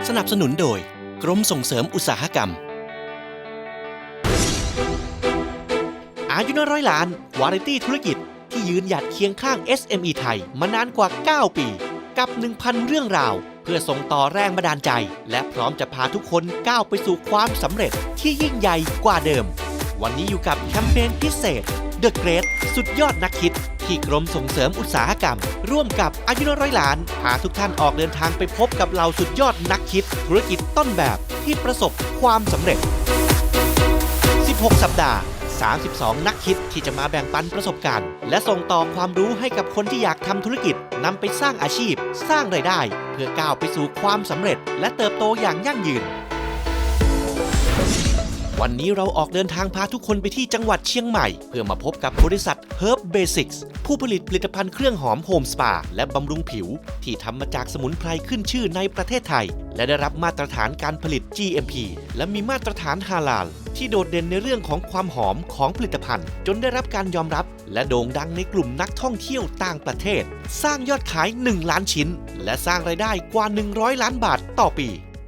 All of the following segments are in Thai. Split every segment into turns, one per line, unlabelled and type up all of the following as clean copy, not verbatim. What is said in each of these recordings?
สนับสนุนโดยกรมส่งเสริมอุตสาหกรรมอายุน้อยร้อยล้านวาไรตี้ธุรกิจที่ยืนหยัดเคียงข้าง SME ไทยมานานกว่า 9 ปีกับ 1,000 เรื่องราวเพื่อส่งต่อแรงบันดาลใจและพร้อมจะพาทุกคนก้าวไปสู่ความสำเร็จที่ยิ่งใหญ่กว่าเดิมวันนี้อยู่กับแคมเปญพิเศษ The Great สุดยอดนักคิดที่กรมส่งเสริมอุตสาหกรรมร่วมกับอายุน้อยร้อยล้านพาทุกท่านออกเดินทางไปพบกับเหล่าสุดยอดนักคิดธุรกิจต้นแบบที่ประสบความสำเร็จ 16 สัปดาห์ 32 นักคิดที่จะมาแบ่งปันประสบการณ์และส่งต่อความรู้ให้กับคนที่อยากทำธุรกิจนำไปสร้างอาชีพสร้างรายได้เพื่อก้าวไปสู่ความสำเร็จและเติบโตอย่างยั่งยืนวันนี้เราออกเดินทางพาทุกคนไปที่จังหวัดเชียงใหม่เพื่อมาพบกับบริษัท Herb Basics ผู้ผลิตผลิตภัณฑ์เครื่องหอมโฮมสปาและบำรุงผิวที่ทำมาจากสมุนไพรขึ้นชื่อในประเทศไทยและได้รับมาตรฐานการผลิต GMP และมีมาตรฐานฮาลาลที่โดดเด่นในเรื่องของความหอมของผลิตภัณฑ์จนได้รับการยอมรับและโด่งดังในกลุ่มนักท่องเที่ยวต่างประเทศสร้างยอดขาย 1 ล้านชิ้นและสร้างรายได้กว่า 100 ล้านบาทต่อปี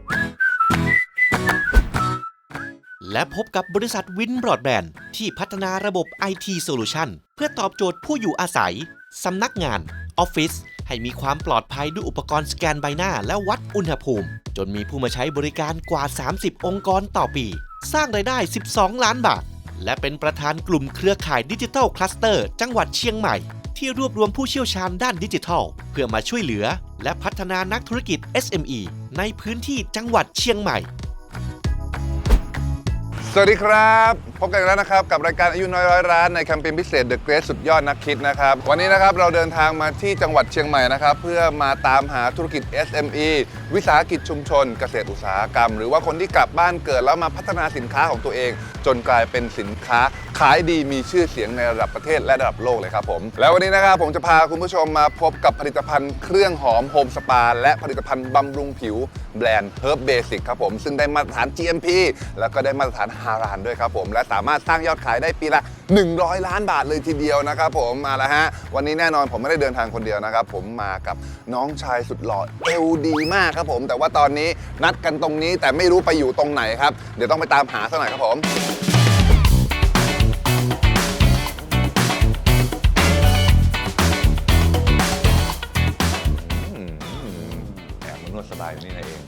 และพบกับบริษัทวินบรอดแบนด์ที่พัฒนาระบบ IT Solution เพื่อตอบโจทย์ผู้อยู่อาศัยสำนักงานออฟฟิศให้มีความปลอดภัยด้วยอุปกรณ์สแกนใบหน้าและวัดอุณหภูมิจนมีผู้มาใช้บริการกว่า 30 องค์กรต่อปีสร้างรายได้ 12 ล้านบาทและเป็นประธานกลุ่มเครือข่ายดิจิทัลคลัสเตอร์จังหวัดเชียงใหม่ที่รวบรวมผู้เชี่ยวชาญด้านดิจิทัลเพื่อมาช่วยเหลือและพัฒนานักธุรกิจ SME ในพื้นที่จังหวัดเชียงใหม่
สวัสดีครับพบกันแล้วนะครับกับรายการอายุน้อยร้อยล้านในแคมเปญพิเศษ The Great สุดยอดนักคิดนะครับวันนี้นะครับเราเดินทางมาที่จังหวัดเชียงใหม่นะครับเพื่อมาตามหาธุรกิจ SME วิสาหกิจชุมชนเกษตรอุตสาหกรรมหรือว่าคนที่กลับบ้านเกิดแล้วมาพัฒนาสินค้าของตัวเองจนกลายเป็นสินค้าขายดีมีชื่อเสียงในระดับประเทศและระดับโลกเลยครับผมแล้ววันนี้นะครับผมจะพาคุณผู้ชมมาพบกับผลิตภัณฑ์เครื่องหอมโฮมสปาและผลิตภัณฑ์บำรุงผิวแบรนด์ Herb Basics ครับผมซึ่งได้มาตรฐาน GMP แล้วก็ได้มาตรฐานฮาลาลด้วยครับผมและสามารถสร้างยอดขายได้ปีละ100 ล้านบาทเลยทีเดียวนะครับผมมาแล้วฮะวันนี้แน่นอนผมไม่ได้เดินทางคนเดียวนะครับผมมากับน้องชายสุดหล่อเอวดีมากครับผมแต่ว่าตอนนี้นัดกันตรงนี้แต่ไม่รู้ไปอยู่ตรงไหนครับเดี๋ยวต้องไปตามหาซะหน่อยครับผมแอบมานวดสบายอยู่นี่เอง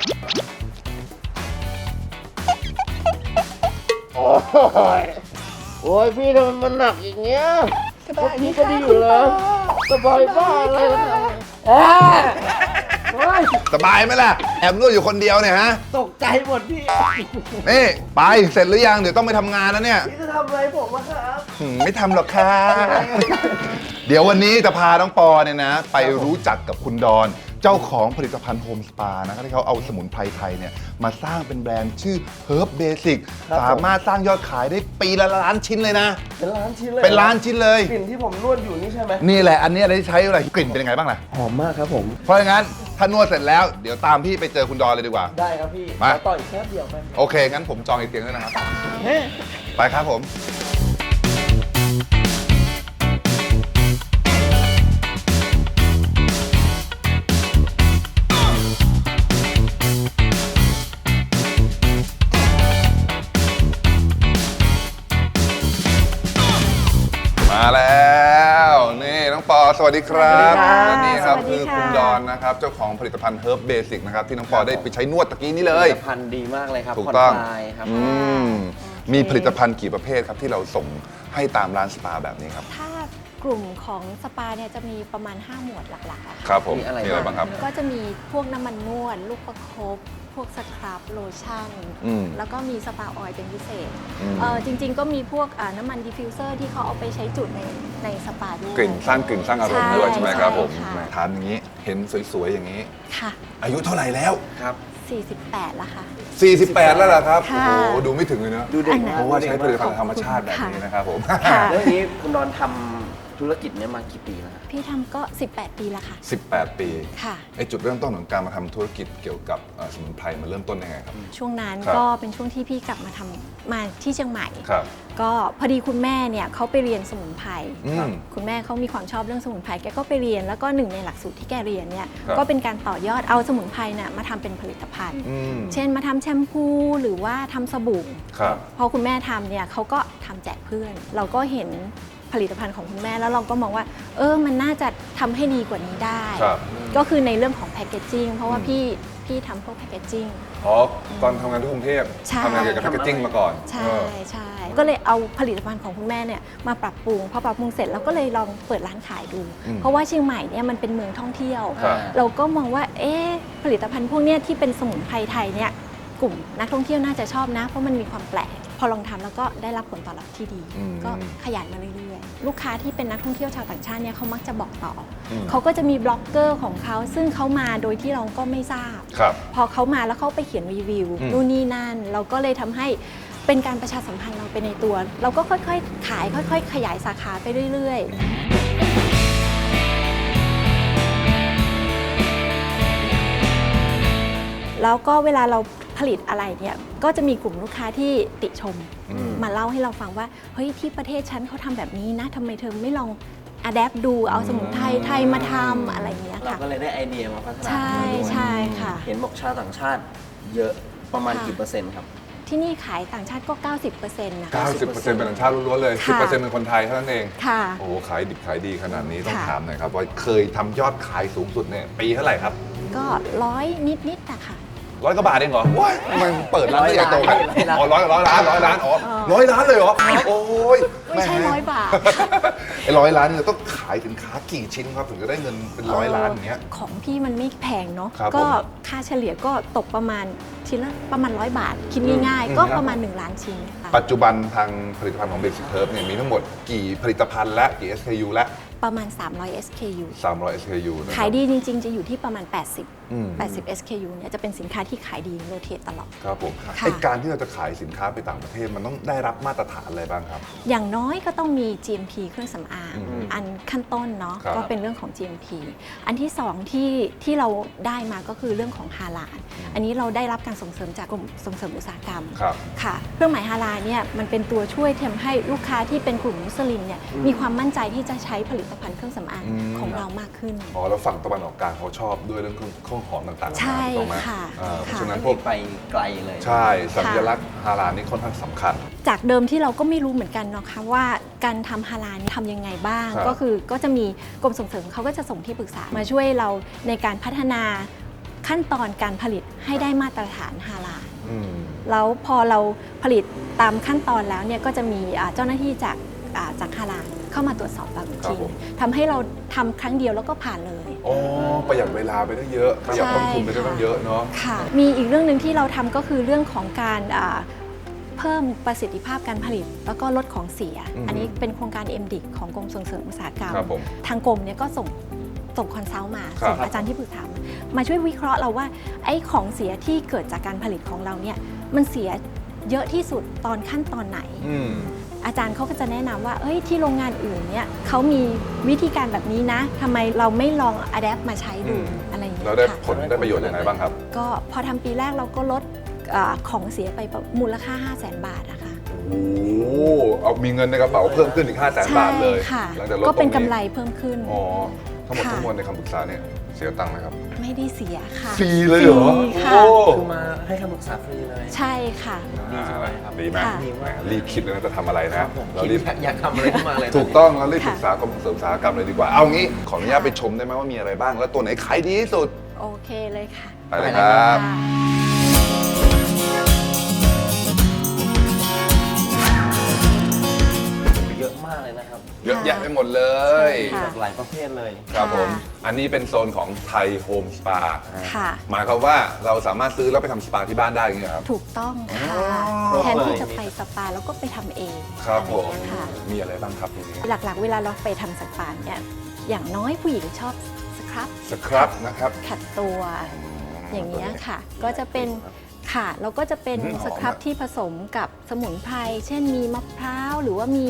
โอ้ยพี่ทำไมมันหนักอย่างเงี้ยพี่ก็ดีอยู่แล้วสบายบ้าอะไรล่ะ
สบายไหมล่ะแอบนวดอยู่คนเดียวเนี่ยฮะ
ตกใจหมดพี่
นี่ไปเสร็จหรือยังเดี๋ยวต้องไปทำงานแล้วเนี่ย
พี่จะทำอะไรผมอะครับ
ไม่ทำหรอกค่ะเดี๋ยววันนี้จะพาน้องปอเนี่ยนะไปรู้จักกับคุณดอนเจ้าของผลิตภัณฑ์โฮมสปานะครับที่เขาเอาสมุนไพรไทยเนี่ยมาสร้างเป็นแบรนด์ชื่อ Herb Basics สามารถสร้างยอดขายได้ปีละล้านชิ้นเลยนะ
เป็นล้านชิ้นเลย
เป็นล้านชิ้นเลย
กลิ่นที่ผมนวดอยู่นี่ใช่ไหม
นี่แหละอันนี้ได้ใช้อะไรกลิ่นเป็นยังไงบ้างล่ะ
หอมมากครับผม
เพราะงั้นถ้านวดเสร็จแล้วเดี๋ยวตามพี่ไปเจอคุณดอนเลยดีกว่า
ได้ครับพี่
มา
ต่ออีกแค่เดียวไป
โอเคงั้นผมจองอีกเตียงด้วยนะครับไปครับผมมาแล้วนี่น้องปอสวัสดีครับและนี่ครับคือคุณดอนนะครับเจ้าของผลิตภัณฑ์ Herb Basics นะครับที่น้องปอได้ไปใช้นวดตะกี้นี้เลย
ผลิตภัณฑ์ดีมากเลยครับ
ถูกต้อง
ครับ
มีผลิตภัณฑ์กี่ประเภทครับที่เราส่งให้ตามร้านสปาแบบนี้ครับ
ถ้ากลุ่มของสปาเนี่ยจะมีประมาณ5หมวดหลักๆค่ะ
ครับผมมีอะไรบ้างครับ
ก็จะมีพวกน้ำมันนวดลูกประคบพวกสครับโลชั่นแล้วก็มีสปาออยล์เป็นพิเศษจริงๆก็มีพวกน้ำมันดิฟฟิวเซอร์ที่เขาเอาไปใช้จุดในสปาด้วย
กลิ่นสร้างอารมณ์ด้วยใช่ไหมครับผมทานอย่างนี้เห็นสวยๆอย่างนี้
ค่ะ
อายุเท่าไหร่แล้ว
ครับ
48แล้วค่ะ
48แล้วเหรอครับโอ้โหดูไม่ถึงเลยเนอะ
ดูเด็ก
เพราะว่าใช้ผลิตภัณฑ์ธรรมชาติแบบนี้นะครับผม
เรื่องนี้คุณดอนทธุรกิจเนี้ยมากี่ปีแล้วครับ
พี่ทำก็ 18 ปีแล้วค่ะ
18 ปี
ค่ะ
ไอจุดเริ่มต้นของการมาทำธุรกิจเกี่ยวกับสมุนไพรมันเริ่มต้นยังไงครับ
ช่วงนั้น
ครับ
ก็เป็นช่วงที่พี่กลับมาทำมาที่เชียงใหม่
ครับ
ก็พอดีคุณแม่เนี่ยเขาไปเรียนสมุนไพร
อืม
คุณแม่เขามีความชอบเรื่องสมุนไพรแกก็ไปเรียนแล้วก็หนึ่งในหลักสูตรที่แกเรียนเนี่ย
ครับ
ก็เป็นการต่อยอดเอาสมุนไพรน่ะมาทำเป็นผลิตภัณฑ์
อืม
เช่นมาทำแชมพูหรือว่าทำสบู่
ครับ
พอคุณแม่ทำเนี่ยเขาก็ทำแจกเพื่อน เราก็เห็นผลิตภัณฑ์ของคุณแม่แล้วเราก็มองว่ามันน่าจะทำให้ดีกว่านี้ได้
ครับ
ก็คือในเรื่องของแพคเกจจิ้งเพราะว่า
อืม
พี่ทำพวกแพคเกจจิ้ง
อ๋อตอนทำงานที่กรุงเทพ
ใช่
ทำงานเกี่ยวกับแพคเกจจิ้งมาก่อน
ใช่
เออ
ใช่ก็เลยเอาผลิตภัณฑ์ของคุณแม่เนี่ยมาปรับปรุงพอปรับปรุงเสร็จเราก็เลยลองเปิดร้านขายดู
อืม
เพราะว่าเชียงใหม่เนี่ยมันเป็นเมืองท่องเที่ยว
ครับ
เราก็มองว่าผลิตภัณฑ์พวกเนี้ยที่เป็นสมุนไพรไทยเนี่ยกลุ่มนักท่องเที่ยวน่าจะชอบนะ เพราะมันมีความแปลกพอลองทำแล้วก็ได้รับผลตอบรับที่ดี
อืม
ก็ขยายมาเรื่อยๆลูกค้าที่เป็นนักท่องเที่ยวชาวต่างชาติเนี่ยเขามักจะบอกต่ออ
ม
เขาก็จะมีบล็อกเกอร์ของเขาซึ่งเขามาโดยที่เราก็ไม่ทราบ
ครับ
พอเขามาแล้วเขาไปเขียนรีวิว
อืม
นู่นนี่นั่น เราก็เลยทำให้เป็นการประชาสัมพันธ์เราไปในตัว เราก็ค่อยๆ ขายค่อยๆ ขยายสาขาไปเรื่อยๆ แล้วก็เวลาเราผลิตอะไรเนี่ยก็จะมีกลุ่มลูกค้าที่ติชม
อืม
มาเล่าให้เราฟังว่าเฮ้ยที่ประเทศฉันเขาทำแบบนี้นะทำไมเธอไม่ลองอะแดปดูเอาสมุนไพรไทยมาทำอะไรอย่างเงี้ย
เรา
ค่ะ
ก็เลยได้ไอเดียมาพัฒนา
ใช่
ขึ้นมาด้วย
ใช่ค่ะ
เห็นบอกชาวต่างชาติเยอะประมาณ
ค่ะ
กี่เปอร์เซ็นต์ครับ
ที่นี่ขายต่างชาติก็ 90%นะคะ
90%เป็นต่างชาติล้วนๆเลย
ค่ะ
10%เป็นคนไทยเท่านั้นเอง
ค่ะ
โอ้โหขายดิบขายดีขนาดนี้ต้อง
ค่ะ
ถามหน่อยครับว่าเคยทำยอดขายสูงสุดเนี่ยปีเท่าไหร่ครับ
ก็100นิดๆนะคะ
100 กว่าบาทเองเหรอว้ายมันเปิดร้านได้ใหญ่โตขนาดนี้
100
อ๋อ100 ล้านอ๋อ100 ล้านเลยเหรอโอ้ย
ไม่ใช่100 บาท
ไอ้100 ล้านเนี่ยต้องขายสินค้ากี่ชิ้นครับถึงจะได้เงินเป็น100 ล้านอย่างเงี้ย
ของพี่มันไม่แพงเนาะ
ครับ
ก็
ผม
ค่าเฉลี่ยก็ตกประมาณชิ้นละประมาณ100 บาท คิดง่าย
อืม
ๆ ก็ประมาณ1 ล้านชิ้นค่ะ
ปัจจุบันทางผลิตภัณฑ์ของ Basic Herb เนี่ยมีทั้งหมดกี่ผลิตภัณฑ์และกี่ SKU และ
ประมาณ300 SKU
300 SKU นะครับ
ขายดีจริงๆ จะอยู่ที่ประมาณ
อืม
80 SKU เนี่ยจะเป็นสินค้าที่ขายดีโรเทตตลอด
ครับผม
ค่ะ
ไอการที่เราจะขายสินค้าไปต่างประเทศมันต้องได้รับมาตรฐานอะไรบ้างครับ
อย่างน้อยก็ต้องมี GMP เครื่องสำอาง
อืม
อันขั้นต้นเนาะ
ครับ
ก็เป็นเรื่องของ GMP อันที่สองที่เราได้มาก็คือเรื่องของฮาลาลอันนี้เราได้รับการส่งเสริมจากกรมส่งเสริมอุตสาหกรรม
ครับ
ค่ะเครื่องหมายฮาลาลเนี่ยมันเป็นตัวช่วยทำให้ลูกค้าที่เป็นกลุ่มมุสลิมเนี่ยมีความมั่นใจที่จะใช้ผลิตภัณฑ์เครื่องสำอาง
อืม
ของเรามากขึ้น
อ๋อแล้วฝั่งตะวันออกกลางเขาชอบด้วยเรื่องเครื่องหอมต่างๆ
ใช่
ถูกไหม
ค่ะ
เพราะ
ค่ะ
ฉะนั้น
พ
พ
ว
ว
ก
ก
ไปไกลเลย
ใช่สัญลักษณ์ฮาลาลนี่ค่อนข้างสำคัญ
จากเดิมที่เราก็ไม่รู้เหมือนกันเนาะค่ะว่าการทำฮาลาลนี่ทำยังไงบ้าง
ครับ
ก็คือก็จะมีกรมส่งเสริมเขาก็จะส่งที่ปรึกษามาช่วยเราในการพัฒนาขั้นตอนการผลิตให้ได้มาตรฐานฮาลาล
อืม
แล้วพอเราผลิตตามขั้นตอนแล้วเนี่ยก็จะมีเจ้าหน้าที่จากฮาลาลเข้ามาตรวจสอบเราอีก
ครั
ที
บผม
ทำให้เราทำครั้งเดียวแล้วก็ผ่านเลย
อ๋อประหยัดเวลาไปได้เยอะประหยัดต้นทุนไปได้
ใช่ค่ะ
ตั้งเยอะเนาะ
ค่ะ มีอีกเรื่องหนึ่งที่เราทำก็คือเรื่องของการเพิ่มประสิทธิภาพการผลิต แล้วก็ลดของเสีย
อืม
อันนี้เป็นโครงการ MDIC ของกรมส่งเสริมอุตสาหกรรม
ครับผม
ทางกรมเนี่ยก็ส่งคอนซัลท์มา
ครับ
ส่งอาจารย์ที่ปรึกษามาช่วยวิเคราะห์เราว่าไอ้ของเสียที่เกิดจากการผลิตของเราเนี่ยมันเสียเยอะที่สุดตอนขั้นตอนไหน
อืม
อาจารย์เขาก็จะแนะนำว่าเอ้ยที่โรงงานอื่นเนี่ยเขามีวิธีการแบบนี้นะทำไมเราไม่ลองอัดแอปมาใช้ดู
อืม
อะไรอย่างเงี้
เรา
ย
ได้
ค่ะ
ผลได้ประโยชน์ยังไงบ้างครับ
ก็พอทำปีแรกเราก็ลดของเสียไปมูลค่า 500,000 บาทนะคะ
โอ้โหเอามีเงินในกระเป๋าเพิ่มขึ้นอีก 500,000 บาทเลย
ใช่ค่ะ
หลังจากลด
ก็เป็น
ตรง
กำไรเพิ่มขึ้น
อ๋อทั้งหมด
ค่ะ
ทั้งมวลในคำปรึกษาเนี่ยเสียตังค์ไหมครับ
ไม่ได้เสียค่ะ
ฟรีเลยเหรอ
ฟรีค่ะ
โอ้
คือมาให้คำปรึกษาฟรีเลย
ใช่ค่ะ
ดีจังเลยครับ
ดีไหม
ค่ะ
ดีมาก
รีบคิดเลยนะจะทำอะไร
ค
นะ
รับผม
เรา
คิด
รีบ
อยากทำอะไรขึ้นมาเลย
ถูกต้องแล้วรีบ
ค่ะ
ปรึกษากรมส่งเสริมอุตสาหกรรมเลยดีกว่า เอางี้ขออนุญาตไปชมได้ไหมว่ามีอะไรบ้าง แล้วตัวไหนขายดีที่สุด
โอเคเลยค่ะ
ไปเลยครับ
ค่ะ
เยอะมากเลยนะครับ
เยอะแยะไปหมดเลย
ค่ะ
หลากหลายประเภทเลย
ครับผม
ค่ะ
อันนี้เป็นโซนของไทยโฮมสปา
ค่ะ
หมายความว่าเราสามารถซื้อแล้วไปทำสปาที่บ้านได้อย่างเงี้ยครับ
ถูกต้องค่ะ
อ๋อ
แทนที่จะไปสปาแล้วก็ไปทำเอง
ครับผม
อะไรอย่างเงี้ยค่ะ
มีอะไรบ้างครับทีนี้
หลักๆ เวลาเราไปทำสปาเนี่ยอย่างน้อยผู้หญิงชอบสครับ
สครับนะครับ
ขัดตัวอย่างเงี้ยค่ะ ก็จะเป็นค่ะแล้วก็จะเป็น
หอม
สครับ
อะ
ที่ผสมกับสมุนไพรเช่นมีมะพร้าวหรือว่ามี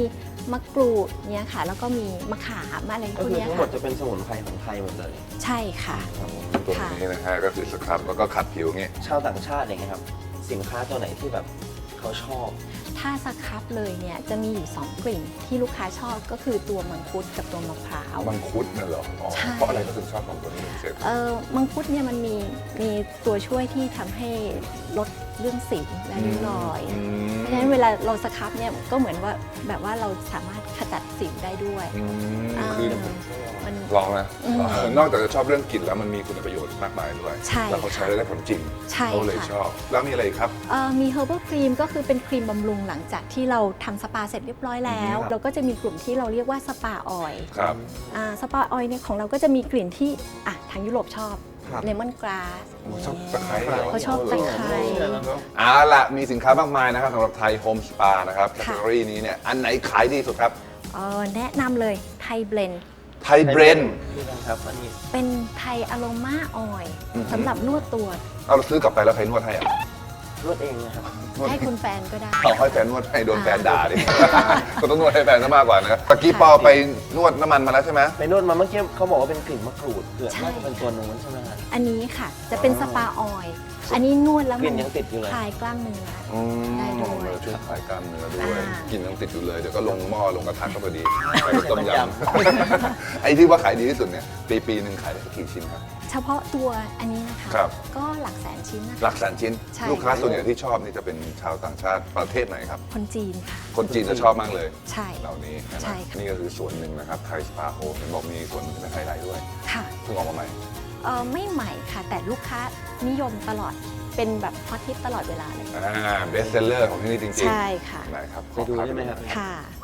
มะกรูดเนี่ยค่ะ แล้วก็มีมะขามอะไรพ
ก็
วก
คือ
เนี้ย
ทั้งหม
ค่ะ
ดจะเป็นสมุนไพรของไทยหมดเลย
ใช่ค่ะ
ตัวนี้นะฮะก็คือสครับแล้วก็ขัดผิวอย่างงี้
ชาวต่างชาติอย่างเงี้ยครับสินค้าตัวไหนที่แบบเขาชอบ
ถ้าสครับเลยเนี่ยจะมีอยู่ 2 กลิ่นที่ลูกค้าชอบก็คือตัวมังคุดกับตัวมะพร้าว
มังคุดน่ะเหรออ๋อ
ใช่
เพราะอะไรก็ถึงชอบของตัวนี้พิเศษ
มังคุดเนี่ยมันมีตัวช่วยที่ทำให้ลดเรื่องสิวและริ้วรอย เพราะฉะนั้นเวลาเราสครับเนี่ยก็เหมือนว่าแบบว่าเราสามารถขจัดสิวได้ด้วย
คือ
มัน
ลองนะนอกจากจะชอบเรื่องกลิ่นแล้วมันมีคุณประโยชน์มากมายด้วย
ใช่
แล้วเขาใช้
ค่ะ
ได้ผลจริง
ใช่
เขาเลย
ค่ะ
ชอบ แล้วมีอะไรอีกครับ
มี Herbal Cream ก็คือเป็นครีมบำรุงหลังจากที่เราทำสปาเสร็จเรียบร้อยแล้ว
ครับ
เราก็จะมีกลุ่มที่เราเรียกว่าสปาออยล์
ครับ
สปาออยล์เนี่ยของเราก็จะมีกลิ่นที่ทางยุโรปชอบ
ครับ
เลมอนกราส
ชอบตะไคร้เหรอ
เขาชอบตะไคร้
เอาละมีสินค้ามากมายนะครับสำหรับไทยโฮมสปานะครับแคตตาล็อนี้เนี่ยอันไหนขายดีสุดครับ
แนะนำเลยไทยเบลนด์
ไทยเบรน
คือกันครับอันนี้
เป็นไทยอโรมาออยล์
อือฮึ
สำหรับนวดตัว
เอาเราซื้อกลับไปแล้วใครนวดให้อ่ะ
นวดเองนะครับ
นวด
ให้คุณแฟนก็ได้
เอาให้แฟนนวดให้โดนแฟนด่าดิ ก็ต้องนวดให้แฟนซะมากกว่านะตะกี้ปอไปนวดน้ำมันมาแล้วใช่ไหม
ไปนวดมาเมื่อกี้เขาบอกว่าเป็นกลิ่นมะกรูดคือ
ใช่
น่าจะเป็นตัวนู้นใช่ไหมครับ
อันนี้ค่ะจะเป็นสปาออยล์อันนี้นวดแล้ว
กลิ่นยังติดอยู่เลย
คลายกล้ามเนื้อ ได้ด้วย
เลยช่วยคลายกล้ามเนื้อด้วย
อ่า
กินยังติดอยู่เลยเดี๋ยวก็ลงหม้อลงกระทะก็พอดีไปกับต้มยำ ไอ้ที่ว่าขายดีที่สุดเนี่ยปีหนึ่งขายได้สักกี่ชิ้นครับ
เฉพาะตัวอันนี้นะคะ
ครับ
ก็หลักแสนชิ้นนะคะ
หลักแสนชิ้น
ใช่
ลูกค้าส่วนใหญ่ที่ชอบนี่จะเป็นชาวต่างชาติประเทศไหนครับ
คนจีนค่ะ
คนจีนจะชอบมากเลย
ใช่
เหล่านี้นะ
ใช่ค่ะ
นี่ก็คือส่วนหนึ่งนะครับไทยสปาโฮมเห็นบอกมีส่วนหนึ่งเป็นไฮไลท์ด้วย
ค่ะ
เพิ่งออกมาใหม่
ไม่ใหม่ค่ะ แต่ลูกค้านิยมตลอดเป็นแบบฮอตฮิตตลอดเวลาเลย
เบสเซลเลอร์ของที่นี่จริงๆ
ใช่ค่ะ
ได้ครับ
ไปดูได้ไหมครับ
ค่ะ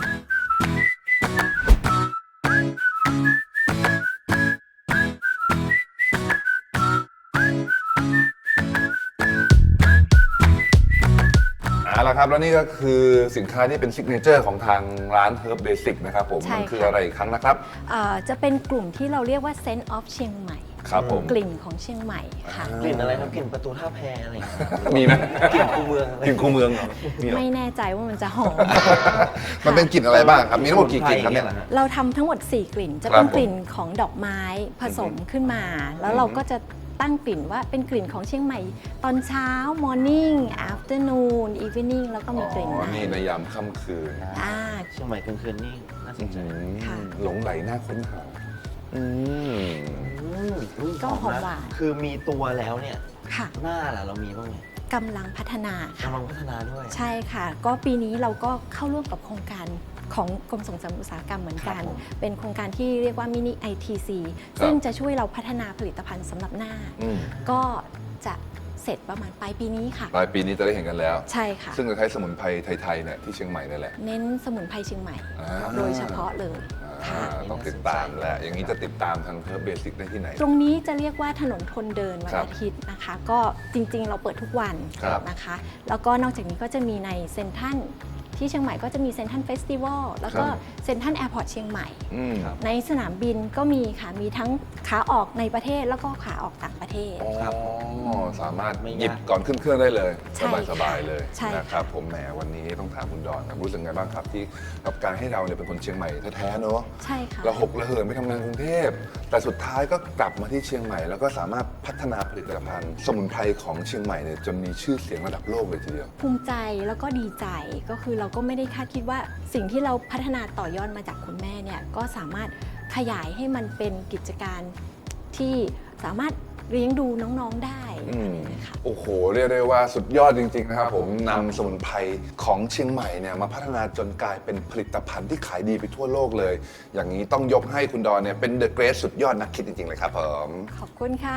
เอาละครับแล้วนี่ก็คือสินค้าที่เป็นซิกเนเจอร์ของทางร้าน Herb Basic นะครับผม
ใช่
มันคือ
ค่ะ
อะไรอีกครั้งนะครับ
จะเป็นกลุ่มที่เราเรียกว่า Scent of เชียงใหม่
ครับผม
กลิ่นของเชียงใหม่ค่ะ
กลิ่นอะไรครับกลิ่นประตูท่าแพอะไรอย่างเงี้ย
มีไหม
กลิ่นคูเมืองอะไร
กลิ่นคูเมืองเหรอมีเหรอ
ไม่แน่ใจว่ามันจะหอม
มันเป็นกลิ่นอะไรบ้างครับ มีทั้งหมดกี่กลิ่นครับเนี่ย
เราทำทั้งหมด 4 กลิ่น จะ
ครั
เป็
บ
นกลิ่นของดอกไม้ผสมขึ้นมา แล้วเราก็จะตั้งกลิ่นว่าเป็นกลิ่นของเชียงใหม่ ตอนเช้า morning afternoon evening แล้วก็มีกลิ่น
อ๋อ
ใน
นี่ในยามค่ำคืน
อ่า
เชียงใหม่กลางคืนนี่น่าสนใจ
ค่ะ
หลงไหลน่าค้นหาอืม
ก็หอมหวาน
คือมีตัวแล้วเนี่ย
ค่ะ
หน้าล่ะเรามีบ้างไหม
กำลังพัฒนาค่ะ
กำลังพัฒนาด้วย
ใช่ค่ะ ก็ปีนี้เราก็เข้าร่วมกับโครงการของกรมส่งเสริมอุตสาหกรรมเหมือนกัน
ครับผม
เป็นโครงการที่เรียกว่ามินิ ITC ซึ่งจะช่วยเราพัฒนาผลิตภัณฑ์สำหรับหน้า
อืม
ก็จะเสร็จประมาณปลายปีนี้ค่ะ
ปลายปีนี้จะได้เห็นกันแล้ว
ใช่ค่ะ
ซึ่งจะใช้สมุนไพรไทยๆเนี่ยที่เชียงใหม่นี่แหละ
เน้นสมุนไพรเชียงใหม่
อ่า
โดยเฉพาะเลย
อ่า
ค่ะ
ต้องติดตามแหละอย่างนี้จะติดตามทางHerb Basicได้ที่ไหน
ตรงนี้จะเรียกว่าถนนคนเดินวัน
ครับ
อาทิตย์นะคะ ก็จริงๆ เราเปิดทุกวัน
ครับ
นะคะ แล้วก็นอกจากนี้ก็จะมีในเซ็นทรัลที่เชียงใหม่ก็จะมีเซ็นทรัลเฟสติวัลแล้วก็เซ็นทรัลแอร์พอร์ตเชียงใหม่
อืม
ในสนามบินก็มีค่ะ มีทั้งขาออกในประเทศแล้วก็ขาออกต่างประเทศ
ครับ
อ๋อสามารถ
ไม่ยาก
หยิบก่อนขึ้นเครื่องได้เลย
ใช่
สบายๆเลย
ใช่
นะครับ ผมแหมวันนี้ต้องถามคุณดอนครับรู้สึกไงบ้างครับที่กับการให้เราเนี่ยเป็นคนเชียงใหม่แท้ๆเนอะ
ใช่ค่ะ
เราหกระเหินไปทำงานกรุงเทพ แต่สุดท้ายก็กลับมาที่เชียงใหม่ แล้วก็สามารถพัฒนาผลิตภัณฑ์ สมุนไพรของเชียงใหม่เนี่ยจนมีชื่อเสียงระดับโลกเลยทีเดียว
ภูมิใจแล้วก็ดีใจก็คือเราก็ไม่ได้คาดคิดว่าสิ่งที่เราพัฒนาต่อยอดมาจากคุณแม่เนี่ยก็สามารถขยายให้มันเป็นกิจการที่สามารถเลี้ยงดูน้องๆได้อะไรอย่างเงี้ยค่ะ
โอ้โห เรียกได้ว่าสุดยอดจริง ๆ นะครับผมนำสมุนไพรของเชียงใหม่เนี่ยมาพัฒนาจนกลายเป็นผลิตภัณฑ์ที่ขายดีไปทั่วโลกเลย อย่างนี้ต้องยกให้คุณดอนเนี่ยเป็นเดอะเกรทสุดยอดนักคิดจริง ๆ เลยครับผม
ขอบคุณค่ะ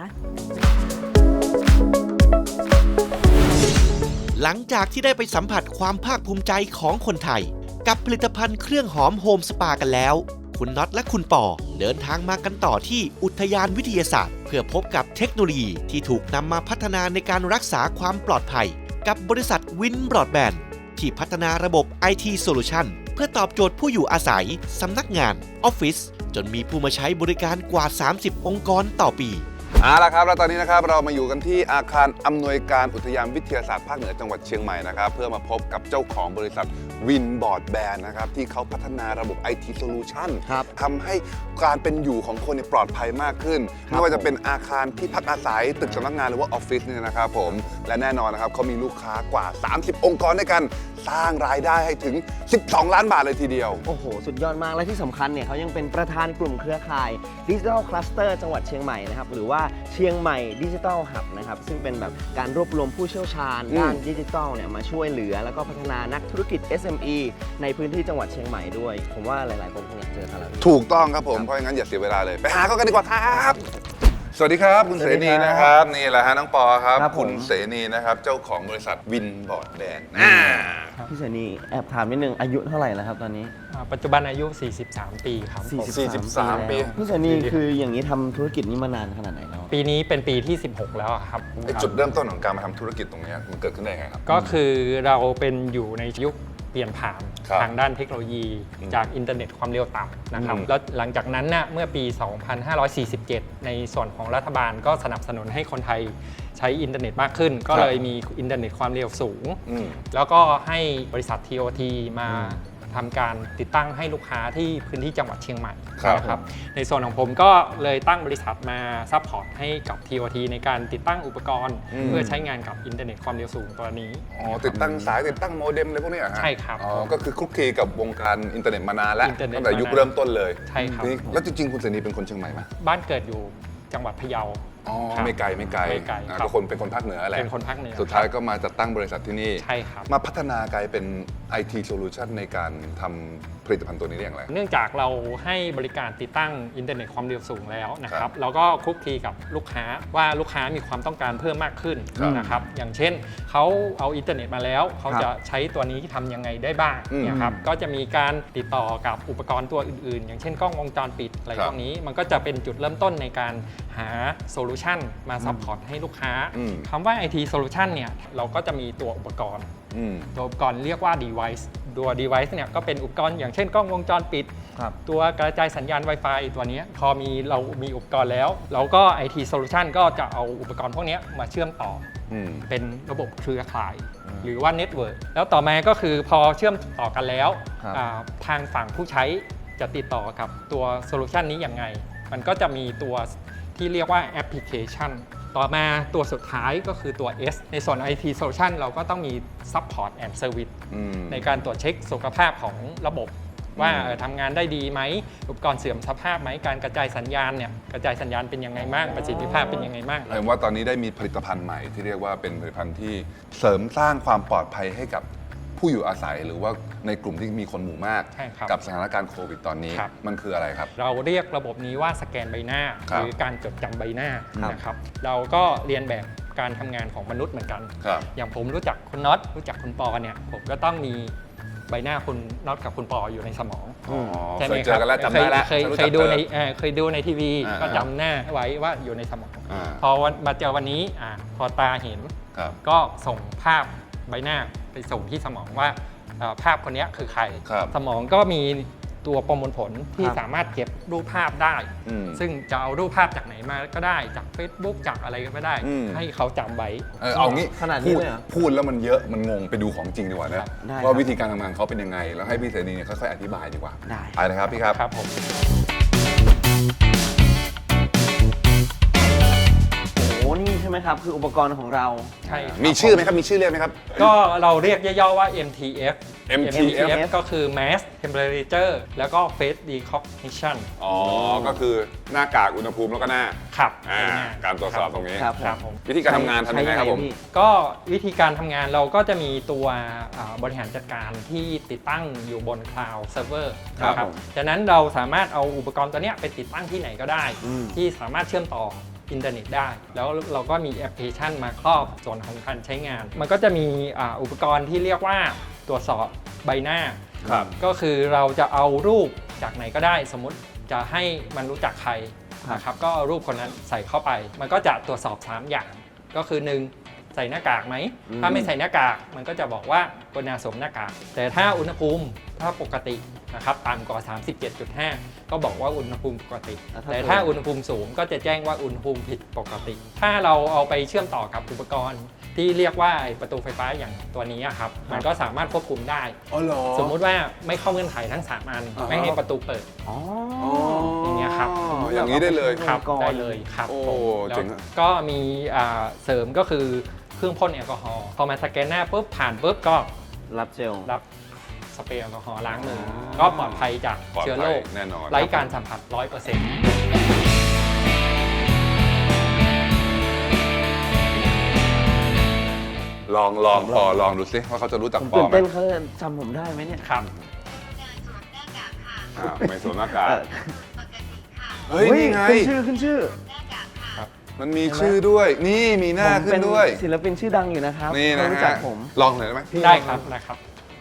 หลังจากที่ได้ไปสัมผัสความภาคภูมิใจของคนไทย กับผลิตภัณฑ์เครื่องหอมโฮมสปากันแล้ว คุณน็อตและคุณปอเดินทางมากันต่อที่อุทยานวิทยาศาสตร์ เพื่อพบกับเทคโนโลยีที่ถูกนำมาพัฒนาในการรักษาความปลอดภัย กับบริษัทวินบรอดแบนด์ที่พัฒนาระบบ IT Solution เพื่อตอบโจทย์ผู้อยู่อาศัย สำนักงาน ออฟฟิศจนมีผู้มาใช้บริการกว่า 30 องค์กรต่อปี
เอาละครับแล้วตอนนี้นะครับเรามาอยู่กันที่อาคารอำนวยการอุทยานวิทยาศาสตร์ภาคเหนือจังหวัดเชียงใหม่นะครับเพื่อมาพบกับเจ้าของบริษัทวินบอร์ดแบนนะครับที่เขาพัฒนาระบบ IT Solution ทำให้การเป็นอยู่ของคนปลอดภัยมากขึ้นไม่ว่าจะเป็นอาคารที่พักอาศัยตึกสำนักงานหรือว่าออฟฟิศเนี่ยนะครับผมและแน่นอนนะครับเขามีลูกค้ากว่า 30 องค์กรด้วยกันสร้างรายได้ให้ถึง 12 ล้านบาทเลยทีเดียว
โอ้โห สุดยอดมาก และที่สำคัญเนี่ยเขายังเป็นประธานกลุ่มเครือข่ายดิจิทัลคลัสเตอร์จังหวัดเชียงใหม่นะครับหรือว่าเชียงใหม่ดิจิทัลฮับนะครับซึ่งเป็นแบบการรวบรวมผู้เชี่ยวชาญด้านดิจิทัลเนี่ยมาช่วยเหลือแล้วก็พัฒนานักธุรกิจ SME ในพื้นที่จังหวัดเชียงใหม่ด้วย ผมว่าหลายๆคนคงอยากเจอกันแล้ว
ถูกต้องครับผมเพราะงั้นอย่าเสียเวลาเลยไปหาเขากันดีกว่าครับสวัสดีครับคุณเสนีนะครับนี่แหละฮะน้องปอครับคุณเสนีนะครับเจ้าของบริษัทวินบอร์ดแบน
พี่เสนีแอบถามนิดนึงอายุเท่าไหร่แล้วครับตอนนี้
ปัจจุบันอายุ 43 ปีครับผม
43 ปี
พี่เสนีคืออย่างนี้ทำธุรกิจนี้มานานขนาดไหนแล้ว
ปีนี้เป็นปีที่ 16 แล้วอะครับ
จุดเริ่มต้นของการมาทำธุรกิจตรงนี้มันเกิดขึ้นได้ไงครับ
ก็คือเราเป็นอยู่ในยุคเปลี่ยนผ่าน
ครับ
ทางด้านเทคโนโลยีจากอินเทอร์เน็ตความเร็วต่ำนะครับแล้วหลังจากนั้นเมื่อปี 2547 ในส่วนของรัฐบาลก็สนับสนุนให้คนไทยใช้อินเทอร์เน็ตมากขึ้น ก็เลยมีอินเทอร์เน็ตความเร็วสูง แล้วก็ให้บริษัท TOT มาทำการติดตั้งให้ลูกค้าที่พื้นที่จังหวัดเชียงใหม่นะครับในส่วนของผมก็เลยตั้งบริษัทมาซัพพอร์ตให้กับ TOT ในการติดตั้งอุปกรณ์เพื่อใช้งานกับอินเทอร์เน็ตความเร็วสูงตัวนี้
ติดตั้งสายติดตั้งโมเด็มอะไรพวกนี้เหรอฮะ
ใช่ครับ
ก็คือคลุกคลีกับวงการอินเทอร์เน็ตมานานแล้ว
อินเทอร์เน็ต
ตั้งแต่ยุคเริ่มต้นเลย
ใช่ครับ
แล้วจริงๆคุณเสนีเป็นคนเชียงใหม่ไหม
บ้านเกิดอยู่จังหวัดพะเยา
ไม่ไกลก็คนเป็นคนภาคเหนือแหละ
เป็นคนภาคเหนือ
สุดท้ายก็มาจัดตั้งบริษัทที่นี่
ใช่ครับ
มาพัฒนากลายเป็น IT Solution ในการทำผลิตภัณฑ์ตัวนี้ได้อย่างไร
เนื่องจากเราให้บริการติดตั้งอินเทอร์เน็ตความเร็วสูงแล้วนะครับเราก็คลุกคลีกับลูกค้าว่าลูกค้ามีความต้องการเพิ่มมากขึ้นนะครับอย่างเช่นเขาเอาอินเทอร์เน็ตมาแล้วเขาจะใช้ตัวนี้ทำยังไงได้บ้างนะครับก็จะมีการติดต่อกับอุปกรณ์ตัวอื่นๆอย่างเช่นกล้องวงจรปิดอะไรพวกนี้มันก็จะเป็นจุดเริ่มต้นในการหาโซลูชันมาซัพพอร์ตให้ลูกค้าคำว่า IT Solution เนี่ยเราก็จะมีตัวอุปกรณ์ตัวอุปกรณ์เรียกว่า device ตัว device เนี่ยก็เป็นอุปกรณ์อย่างเช่นกล้องวงจรปิดตัวกระจายสัญญาณ Wi-Fi ตัวนี้พอเรามีอุปกรณ์แล้วเราก็ IT Solution ก็จะเอาอุปกรณ์พวกนี้มาเชื่อมต่อเป็นระบบเครือข่ายหรือว่า Network แล้วต่อมาก็คือพอเชื่อมต่อกันแล้วทางฝั่งผู้ใช้จะติดต่อกับตัวโซลูชันนี้ยังไงมันก็จะมีตัวที่เรียกว่าแอปพลิเคชันต่อมาตัวสุดท้ายก็คือตัว S ในส่วน IT Solution เราก็ต้องมี Support and Service ในการตรวจเช็คสุขภาพของระบบว่าทำงานได้ดีไหมอุปกรณ์เสื่อมสภาพไหมการกระจายสัญญาณเนี่ยกระจายสัญญาณเป็นยังไงบ้างประสิทธิภาพเป็นยังไงบ้าง
เห็นว่าตอนนี้ได้มีผลิตภัณฑ์ใหม่ที่เรียกว่าเป็นผลิตภัณฑ์ที่เสริมสร้างความปลอดภัยให้กับผู้อยู่อาศัยหรือว่าในกลุ่มที่มีคนหมู่มากกับสถานการณ์โควิดตอนนี้มันคืออะไรครับ
เราเรียกระบบนี้ว่าสแกนใบหน้าหรือการจดจำใบหน้านะครับเราก็เรียนแบบการทำงานของมนุษย์เหมือนกันอย่างผมรู้จักคุณน็อตรู้จักคุณปอเนี่ยผมก็ต้องมีใบหน้าคุณน็อตกับคุณปออยู่ในสมอง
ใช่ไหมครับ
เคยดูในทีวีก็จำหน้าไว้ว่าอยู่ในสมองพอมาเจอวันนี้พอตาเห็นก็ส่งภาพใบหน้าไปส่งที่สมองว่าภาพคนนี้คือใครสมองก็มีตัวประมวลผลที่สามารถเก็บรูปภาพได้ซึ่งจะเอารูปภาพจากไหนมาก็ได้จาก Facebook จากอะไรก็ได้ให้เขาจำไว้
เอางี้
ขนาดนี้เลย
พูดแล้วมันเยอะมันงงไปดูของจริงดีกว่านะว่าวิธีการทำงานเขาเป็นยังไงแล้วให้พี่เสนีค่อยๆอธิบายดีกว่าไปเลยครับพี่ครับ
ครับผม
นี่ใช่ไหมครับคืออุปกรณ์ของเรา
ใช่
มีชื่อไหมครับมีชื่อเรียกไหมครับ
ก็เราเรียกย่อๆว่า MTF MTF ก็คือ Mass Temperature แล้วก็ Face Recognition
ก็คือหน้ากากอุณหภูมิแล้วก็หน้า
ครับ
การตรวจสอบตรงนี้
ครับผม
วิธีการทำงานทำยังไงครับผม
ก็วิธีการทำงานเราก็จะมีตัวบริหารจัดการที่ติดตั้งอยู่บน Cloud Server นะครับจากนั้นเราสามารถเอาอุปกรณ์ตัวนี้ไปติดตั้งที่ไหนก็ได้ที่สามารถเชื่อมต่ออินเทอร์เน็ตได้แล้วเราก็มีแอปพลิเคชันมาครอบส่วนของการใช้งานมันก็จะมีอุปกรณ์ที่เรียกว่าตรวจสอบใบหน้าก็คือเราจะเอารูปจากไหนก็ได้สมมุติจะให้มันรู้จักใครนะครับก็เอารูปคนนั้นใส่เข้าไปมันก็จะตรวจสอบ3อย่างก็คือ1 ใส่หน้ากากไหมถ้าไม่ใส่หน้ากากมันก็จะบอกว่ากรุณาสวมหน้ากากแต่ถ้าอุณหภูมิถ้าปกตินะครับต่ำกว่า 37.5 ก็บอกว่าอุณหภูมิปกติ แต่ถ้าอุณหภูมิสูงก็จะแจ้งว่าอุณหภูมิผิดปกติ ถ้าเราเอาไปเชื่อมต่อกับอุปกรณ์ที่เรียกว่าประตูไฟฟ้าอย่างตัวนี้ครับมันก็สามารถควบคุมได้
อ๋อเหรอ
สมมุติว่าไม่เข้าเงื่อนไขทั้ง3อันไม่ให้ประตูเปิด
อ๋อ
อย่างเงี้ยครับ
อย่างนี้ได้เลย
ครับ
ก่อน
ได้เลยครับ
โอ้
ผมแล้ว
เจ๋งอะ
ก็มีเสริมก็คือเครื่องพ่นแอลกอฮอล์พอมาสแกนหน้าปุ๊บผ่านปุ๊บก็
รับเจล
รับสเปรย์แอลกอฮอล์ล้างมือก็ปลอดภัยจาก
ปลอด
เชื้อ
ภั
โร
ย
ค
แน่นอน
ไร้การสัมผัส 100%
ลองปอลองดูสิว่าเขาจะรู้จัก
ผม
ปอ
ตื่น
ไหม
เต้นเขาจะจำผมได้ไหมเนี่ย
ครับ
อ้าวไม่สวมหน้ากาก
เออ
เฮ้ยนี่ไง
ขึ้นชื่อ
มันมีชื่อด้วย นี่มีหน้า
ผม
ขึ้
เป็น
นด้วย
ศิลปินชื่อดังอยู่นะครับ
นี่นะ
เขารู้จั
ฮะ
กผม
ลองหน่อยได้ไหมพี่
ได้ครับนะครับ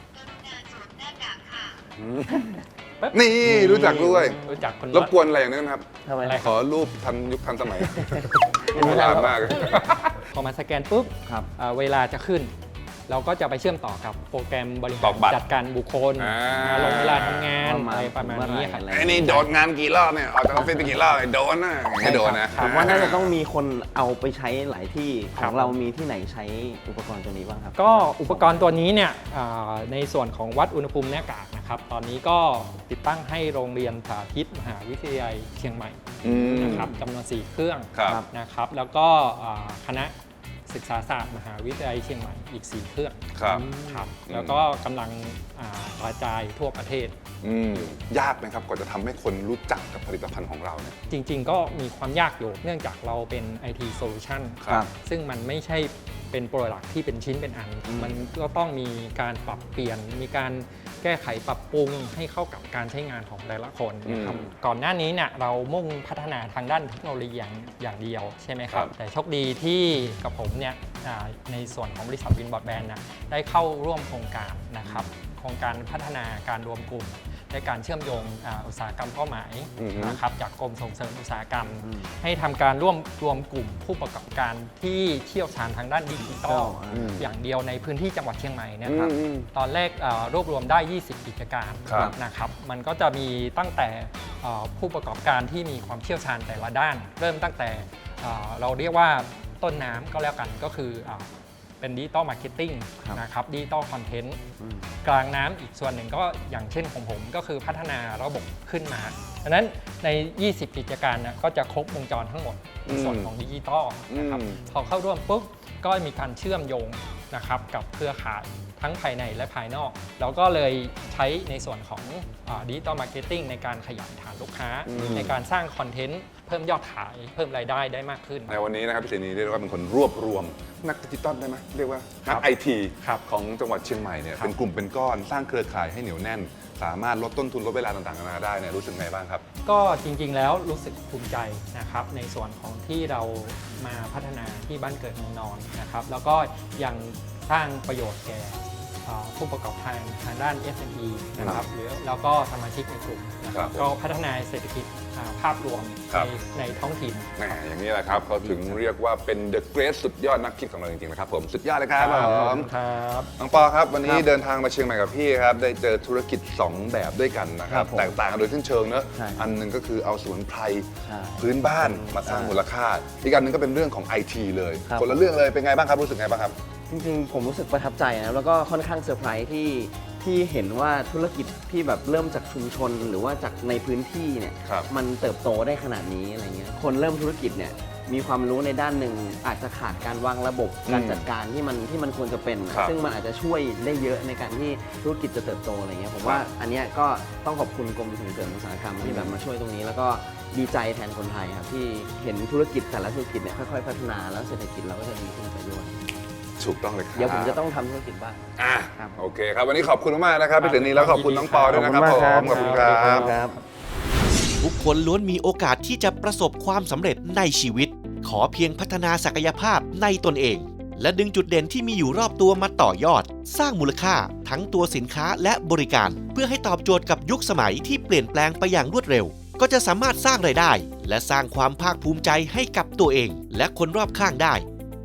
นี่รู้จักด้วย
รู้จักคน
รบกวนอะไรอย่างนี้นะครับ
ทำไม
อะไร
ขอรูปทันยุคทันสมัย
ไม่
โบ
ได้
ราณ
หรอก
มาก
พอมาสแกนปุ๊บ
ครับ
เวลาจะขึ้น เราก็จะไปเชื่อมต่อกับโปรแกรมบริ
ต
หา
อก
ร
บัตร
จัดการบุคคล
อ่า
ลงเวลาทำงาน
ว่ามา
อะไรประมาณนี้ครับ
เมื่อไหร่อะไร
ไอ้นี่โดดงานกี่รอบเนี่ยออกจากออฟฟิศไปกี่รอบไอ้โดนนะไม่โดนนะ
ครั
ผ
บ
มว่าน่าจะต้องมีคนเอาไปใช้หลายที่ข
ครั
อบ งเรามีที่ไหนใช้อุปกรณ์ตัวนี้บ้างครับ
ก็อุปกรณ์ตัวนี้เนี่ยในส่วนของวัดอุณหภูมิหน้ากากนะครับ ตอนนี้ก็ติดตั้งให้โรงเรียนสาธิตมหาวิทยาลัยเชียงใหม่
อืม
นะครับจำนวน 4 เครื่อง
ครับ
นะครับ แล้วก็คณะศึกษาศาสตร์มหาวิทยาลัยเชียงใหม่อีก 4 เครื่อง
ครับ
ครับแล้วก็กำลังกระจายทั่วประเทศ
อืมยากไหมครับกว่าจะทำให้คนรู้จักกับผลิตภัณฑ์ของเราเนี่ย
จริงๆ ก็มีความยากอยู่เนื่องจากเราเป็น IT Solution
ครับ
ซึ่งมันไม่ใช่เป็นโปรดักที่เป็นชิ้นเป็นอัน มันก็ต้องมีการปรับเปลี่ยน มีการแก้ไขปรับปรุงให้เข้ากับการใช้งานของแต่ละคนนะครับก่อนหน้านี้เนี่ยเรามุ่งพัฒนาทางด้านเทคโนโลยีอย่างเดียวใช่ไหมครับ แต่โชคดีที่กับผมเนี่ยในส่วนของบริษัทวินบอร์ดแบนด์นะได้เข้าร่วมโครงการนะครับโครงการพัฒนาการรวมกลุ่มในการเชื่อมโยงอุตสาหกรรมเป้าหมายนะครับจากกรมส่งเสริมอุตสาหกรรม ให้ทำการรวมกลุ่มผู้ประกอบการที่เชี่ยวชาญทางด้านดิจิทัลอย่างเดียวในพื้นที่จังหวัดเชียงใหม่เนะครับตอนแรกรวบรวมได้ 20 กิจการ
ครับ
นะครับมันก็จะมีตั้งแต่ผู้ประกอบการที่มีความเชี่ยวชาญแต่ละด้าน เริ่มตั้งแต่เราเรียกว่าต้นน้ำก็แล้วกันก็คือเป็นดิจิตอลมาร์เก็ตติ้งนะครับดิจิตอลคอนเทนต์กลางน้ำอีกส่วนหนึ่งก็อย่างเช่นของผมก็คือพัฒนาระบบขึ้นมาดังนั้นใน 20 กิจการนะก็จะครบวงจรทั้งหมดในส่วนของดิจิตอลนะครับพอเข้าร่วมปุ๊บก็มีการเชื่อมโยงนะครับกับเครือข่ายทั้งภายในและภายนอกเราก็เลยใช้ในส่วนของดิจิตอลมาร์เก็ตติ้งในการขยายฐานลูกค้า ในการสร้างคอนเทนต์เพิ่มยอดขายเพิ่มรายได้ได้มากขึ้น
ในวันนี้นะครับพี่เสนีเรียกว่าเป็นคนรวบรวมนักดิจิตอลได้ไหมเรียกว่านักไอที
ครับ
ของจังหวัดเชียงใหม่เนี่ย
ครับ
เป็นกลุ่มเป็นก้อนสร้างเครือข่ายให้เหนียวแน่น สามารถลดต้นทุนลดเวลาต่างๆนานาได้เนี่ยรู้สึกไงบ้างครับ
ก็จริงๆแล้วรู้สึกภูมิใจนะครับในส่วนของที่เรามาพัฒนาที่บ้านเกิดเมืองนอนนะครับแล้วก็ยังสร้างประโยชน์แก่ผู้ประกอบการทางด้าน SME นะครับหรือแล้วก็สมาชิกในกลุ่มนะค
ครั
รั
บบ ผม
ก็พัฒนาเศรษฐกิจภาพรวม
ครับ
ในท้องถิ่น
แหมอย่างนี้แหละครับเขาถึงเรียกว่าเป็น The Great สุดยอดนักคิดของเราจริงๆนะครับผมสุดยอดเลยครับผม
ครับ
น้องปอครับวันนี้เดินทางมาเชียงใหม่กับพี่ครับได้เจอธุรกิจ 2 แบบด้วยกันนะครับ
ครับผม
แตกต่างกันโดยสิ้นเชิงเนอะ
ใช่
อันหนึงก็คือเอาสมุนไพร
ใช่
พื้นบ้านมาสร้างมูลค่า อีกอันหนึงก็เป็นเรื่องของ IT เลย
ครับ
คนละเรื่องเลยเป็นไงบ้างครับรู้สึกไงบ้างครับ
จริงๆ ผมรู้สึกประทับใจนะแล้วก็ค่อนข้างเซอร์ไพรส์ที่เห็นว่าธุรกิจที่แบบเริ่มจากชุมชน หรือว่าจากในพื้นที่เนี่ย
ครับ
มันเติบโตได้ขนาดนี้อะไรเงี้ยคนเริ่มธุรกิจเนี่ยมีความรู้ในด้านหนึ่งอาจจะขาดการวางระบบการจัดการที่มันควรจะเป็น
ครับ
ซึ่งมันอาจจะช่วยได้เยอะในการที่ธุรกิจจะเติบโตอะไรเงี้ยผมว่าอันเนี้ยก็ต้องขอบคุณกรมส่งเสริมอุตสาหกรรมที่แบบมาช่วยตรงนี้ แล้วก็ดีใจแทนคนไทยครับที่เห็นธุรกิจแต่ละธุรกิจเนี่ยค่อยๆพัฒนาแล้วเศรษฐกิจเราก็จะดีขึ้นไปด้วย
ถูกต้องเลยครับ
เดี๋ยวผมจะต้องทำธุรกิจบ้าง
อ่ะ
ครับ
โอเคครับวันนี้ขอบคุณมากๆนะครับพี่เสนีแล้วขอบคุณน้องปอด้วยนะครับผมขอบคุณครับ
ครับ
ทุกคนล้วนมีโอกาสที่จะประสบความสำเร็จในชีวิต ขอเพียงพัฒนาศักยภาพในตนเอง และดึงจุดเด่นที่มีอยู่รอบตัวมาต่อยอด สร้างมูลค่าทั้งตัวสินค้าและบริการ เพื่อให้ตอบโจทย์กับยุคสมัยที่เปลี่ยนแปลงไปอย่างรวดเร็ว ก็จะสามารถสร้างรายได้ และสร้างความภาคภูมิใจให้กับตัวเอง และคนรอบข้างได้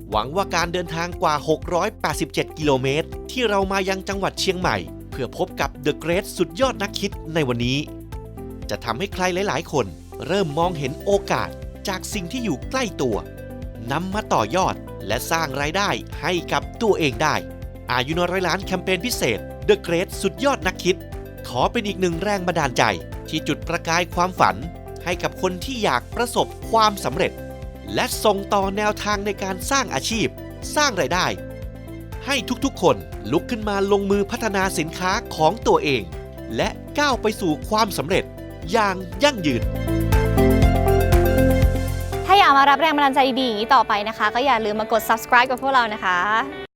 หวังว่าการเดินทางกว่า 687 กิโลเมตรที่เรามายังจังหวัดเชียงใหม่เพื่อพบกับ The Great สุดยอดนักคิดในวันนี้จะทำให้ใครหลายๆ คนเริ่มมองเห็นโอกาสจากสิ่งที่อยู่ใกล้ตัวนำมาต่อยอดและสร้างรายได้ให้กับตัวเองได้อายุน้อยล้านแคมเปญพิเศษ The Great สุดยอดนักคิดขอเป็นอีกหนึ่งแรงบันดาลใจที่จุดประกายความฝันให้กับคนที่อยากประสบความสำเร็จและส่งต่อแนวทางในการสร้างอาชีพสร้างรายได้ให้ทุกๆคนลุกขึ้นมาลงมือพัฒนาสินค้าของตัวเองและก้าวไปสู่ความสำเร็จอย่างยั่งยืน
ถ้าอยากมารับแรงบันดาลใจดีๆอย่างนี้ต่อไปนะคะ ก็อย่าลืมมากด subscribe กับพวกเรานะคะ